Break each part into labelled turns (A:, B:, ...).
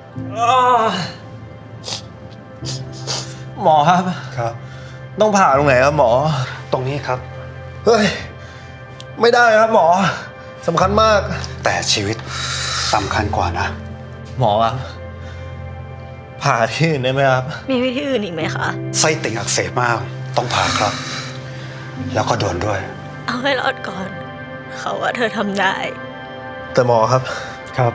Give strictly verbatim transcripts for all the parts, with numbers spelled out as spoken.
A: หมอครับ
B: ครับ
A: ต้องผ่าตรงไหนครับหมอ
B: ตรงนี้ครับ
A: เฮ้ยไม่ได้ครับหมอสำคัญมาก
B: แต่ชีวิตสำคัญกว่านะ
A: หมอครับผ่าที่อื่นได้ไหมครับ
C: มีวิธีอื่นอีกไหมคะ
B: ไส้ติ่งอักเสบมากต้องผ่าครับแล้วก็ด่วนด้วย
C: เอาให้รอดก่อนเขาว่าเธอทำได้
A: แต่หมอครับ
B: ครับ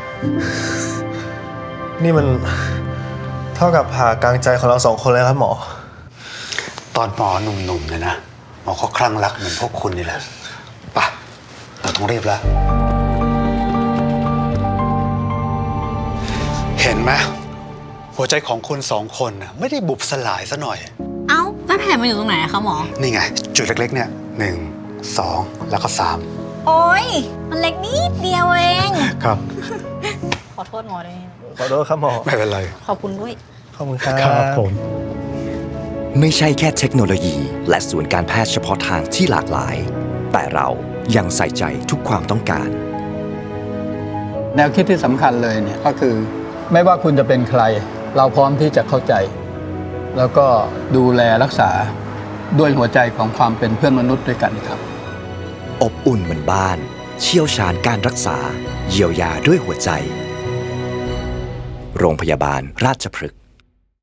A: นี่มันเท่ากับผ่ากลางใจของเราสองคนเลยครับหมอ
B: ตอนหมอหนุ่มๆเนี่ยนะหมอก็คลั่งรักเหมือนพวกคุณนี่แหละไปเราต้องรีบแล้วเห็นไหมหัวใจของคุณสองคนน่ะไม่ได้บุบสลายซะหน่อย
C: เอ้าแล้วแผลมันอยู่ตรงไหนคะหมอ
B: นี่ไงจุดเล็กๆเนี่ยหนึ่งสองแล้วก็สาม
C: โอ๊ยมันเล็กนิดเดียวเอง
B: ครับ
C: ขอโทษหมอด้วย
A: ขอโทษครับหมอ
B: ไม่เป็นไร
C: ขอบคุณด้วย
A: ขอบคุณครับ
B: ครับผม
D: ไม่ใช่แค่เทคโนโลยีและศูนย์การแพทย์เฉพาะทางที่หลากหลายแต่เรายังใส่ใจทุกความต้องการ
E: แนวคิดที่สำคัญเลยเนี่ยก็คือไม่ว่าคุณจะเป็นใครเราพร้อมที่จะเข้าใจแล้วก็ดูแลรักษาด้วยหัวใจของความเป็นเพื่อนมนุษย์ด้วยกันครับ
D: อบอุ่นเหมือนบ้านเชี่ยวชาญการรักษาเยียวยาด้วยหัวใจโรงพยาบาลราชพฤกษ์